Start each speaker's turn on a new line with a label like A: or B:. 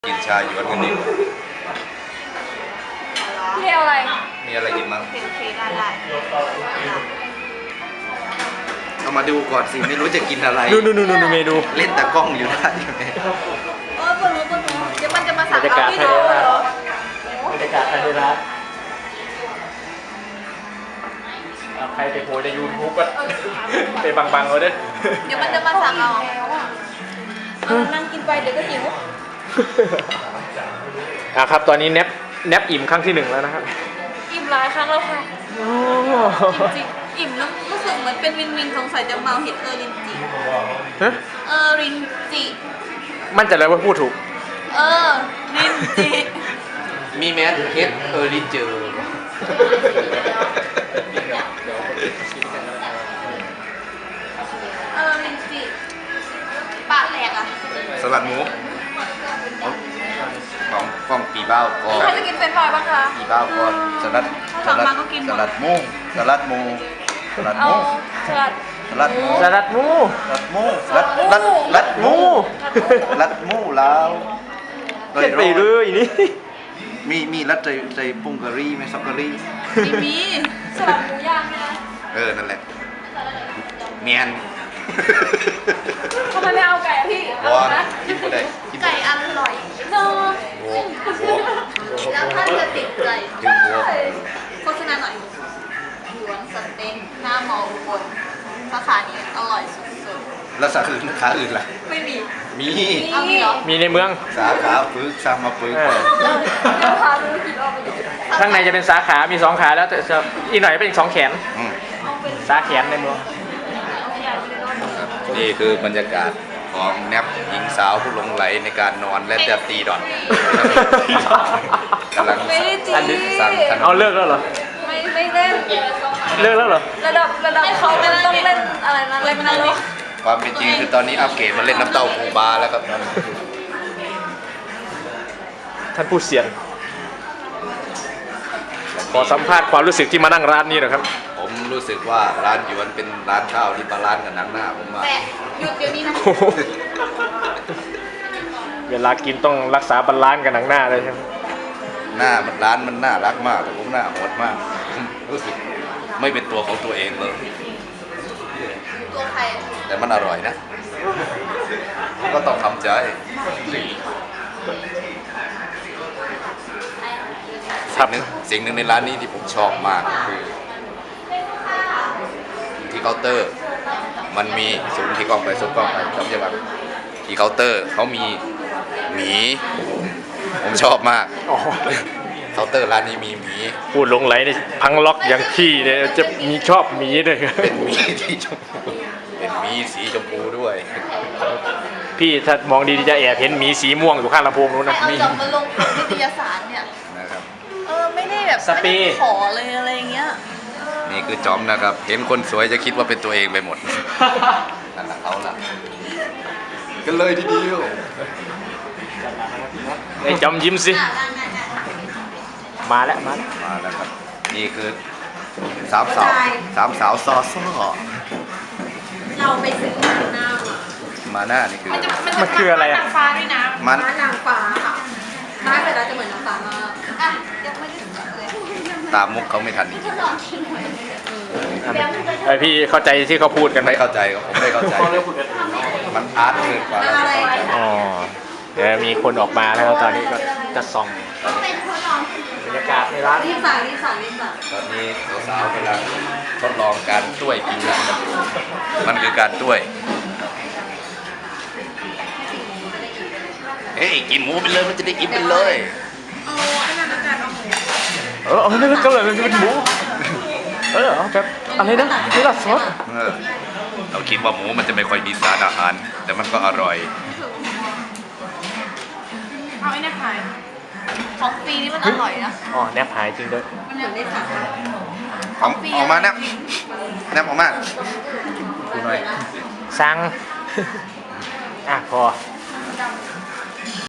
A: กินชาหยวนกันดิ
B: พี่เอาอะไร
A: มีอะไรกินมั้ง
B: โอเคได้
A: เอามาดูก่อนสิไม่รู้จะกินอะไร
C: ดูเมนู
A: เล่นแต่กล้องอยู่ได้ยังไง
B: ปวดหัวเดี๋ยวมันจะมาสั่ง
C: บรรยากาศ
B: พี่
C: ภาย
B: โด
C: ใน
B: เหร
C: ร้า
B: อน
C: บรรยากาศภายในร้านใครไปโพสใน YouTube ก็ไปบังๆเอาเด้อ
B: เดี๋ยวมันจะมาสั่งเอานั่งกินไปเดี๋ยวก็หิว
C: ครับ ตอนนี้แนบอิ่มครั้งที่ 1แล้วนะครับ
B: อิ่มหลายครั้งแล้วค่ะจริงๆอิ่มแล้วรู้สึกเหมือนเป็นวินสงสัยจะเมาเห็ดรินจิ
C: ฮะ
B: รินจิ
C: มั่นใจเลยว่าพูดถูก
B: รินจิ
A: มีแมสเฮดลิเจอร์
B: รินจิปากแหลกอ่ะ
A: สลัดหมูของกล้องปีเบ้าก็
B: ใครจะกินเป็นไฟบ้างคะ
A: ปีเบ้าก็สลัด
B: ถ้าสั่งมาก็กินหมด
A: สลัดหมูสลัดหมูสลัดห
B: เอา
A: มู
B: สลัด
A: สลัดหมู
C: สลัดหมู
A: สลัดหมูลัดหมูลัดหมูแล้ว
C: เล่นไปเลยนี่
A: มีลัดใจปุ้งกะหรี่ไหมซอกกะหรี่
B: ไม่มีสลัดหมูย่างนะ
A: นั่นแหละเมียน
B: ทำไมไม่เอาไก่อะพี่เอา
A: วอน
B: นะ
A: กินก็ได้กิน
B: ไก่อร่อยเนอะ
A: โว้โว้
B: แล้วท่านจะติดใจ
A: ถึงโว้
B: โฆษณาหน่อยหยวนสเต็กหน้ามออุบลสาขานี้อร่อยสุด
A: แล้วสาขาอื่นล่ะ
B: ๆไม่มี
A: มี
B: เอามีเหรอ
C: มีในเมือง
A: สาขาฝึกสร้างมาฝึก
C: เออ
B: เดี๋ยวพาดูกินออกไปดู
C: ข้างในจะเป็นสาขามี2ขาแล้วแต่อีกหน่อยเป็นอีก2แขน
A: อืม
B: เอาเป็น
C: สาแขนในเมือง
B: เอาใหญ่ไปเลยเนาะ
A: นี่คือบรรยากาศของแนบหญิงสาวผู้หลงไหลในการนอนและจะตีดอทกำลัง
B: ไม่ได้จี
C: อันนี้
A: สั่งขน
C: เอา
A: ม
C: เลิกแล้วเหรอ
B: ไม่เล่น
C: เลิกแล้วเหรอ
B: ระดับเขามันต้องเล่นอะไรนะเล่นนรก
A: ความเป็นจริงคือตอนนี้อัปเกรดมาเล่นน้ำเต้าปูบาแล้วครับ
C: ท่านผู้เสียนขอสัมภาษณ์ความรู้สึกที่มานั่งร้านนี้หน่อยครับ
A: ผมรู้สึกว่าร้านหยวนเป็นร้านข้าวที่บาลานซ์กับหนังหน้าผมว่า
B: แต่หยุดเดี๋ยวนี้นะ
C: โอ้โหเวลากินต้องรักษาบาลานซ์กับหนังหน้าเลยใช่ไหม
A: หน้ามันร้านมันน่ารักมากแต่ผมหน้าโหดมากรู้สึกไม่เป็นตัวของตัวเองเลย
B: ตัวใคร
A: แต่มันอร่อยนะ ก็ต้องทำใจสิ่งหนึ่งในร้านนี้ที่ผมชอบมากคือที่เคาน์เตอร์มันมีสูงที่กล้องไปสูงกล้องไปจำยังไงที่เคาน์เตอร์เขามีหมีผมชอบมาก
C: อ๋อ
A: เคาน์เตอร์ร้านนี้มีหมี
C: พูดหลงไหลในพังล็อกอย่างพี่เนี่ยจะมีชอบหมีด้วย
A: เป็นหมีที่ชมพูเป็นหมีสีชมพูด้วย
C: พี่ถ้ามองดีๆจะแอบเห็นหมีสีม่วงอยู่ข้างลำโพงนู้น
B: ใคร
C: นะ
B: เอา
C: มี
B: จอบมาลงนิตยสารเนี่ย
A: นะครับ
B: ไม่ได้แบบ
C: สเปรย์
B: ไม่ได้ขอเลยอะไรอย่างเงี้ย
A: นี่คือจอมนะครับ เห็นคนสวยจะคิดว่าเป็นตัวเองไปหมดนั่นแหละเขาล่ะกันเลยทีเดียว
C: ไอ้จอมยิ้มสิ มาแล้ว
A: มาแล้วครับนี่คือสามสาวซอซ้อ
B: เราไปซื้อหน้ามา
A: มาหน้านี่คือ
C: มันคืออะไรอะ
B: นางฟ้าด้วยนะ
A: มัน
B: นางฟ้าค่ะม้าเสร็จแล้วจะเหมือนนางฟ้ามากอ่ะยังไม่ได้สั่งเลย
A: ตามมุกเขาไม่ทันอีก
C: ไอพี่เข้าใจที่เขาพูดกันไหม
A: ไม่เข้าใจครับผมไม่เข้าใจ มันอาร์ตเกินกว่าเราจะเข้าใจ
C: อ๋อเดี๋ยวมีคนออกมาแล้วตอนนี้ก็จะส่องบรรยากาศในร้าน
B: รีบสั่ง
A: ตอนนี้สาวๆกำลังทดลองการต้วยกินนะครับมันคือการต้วยเฮ้ยกินหมูไปเลยมันจะได้อิ่มไปเลย
C: เอาเนื้อก็เลยมันเป็นหมูเอาแบบอะไรนะเนื้อซอส
A: เราคิดว่าหมูมันจะไม่ค่อยมีสารอาหาร แต่มันก็อร่อย
B: เอาไอ้นี่ขายของฟรีนี่มันอร่อยนะ
C: อ๋อแนบหายจริงด้วย
B: มันเหมือนได้สั่ง
A: ออกมาแนบออกมาดูหน่อย
C: สั่งพอ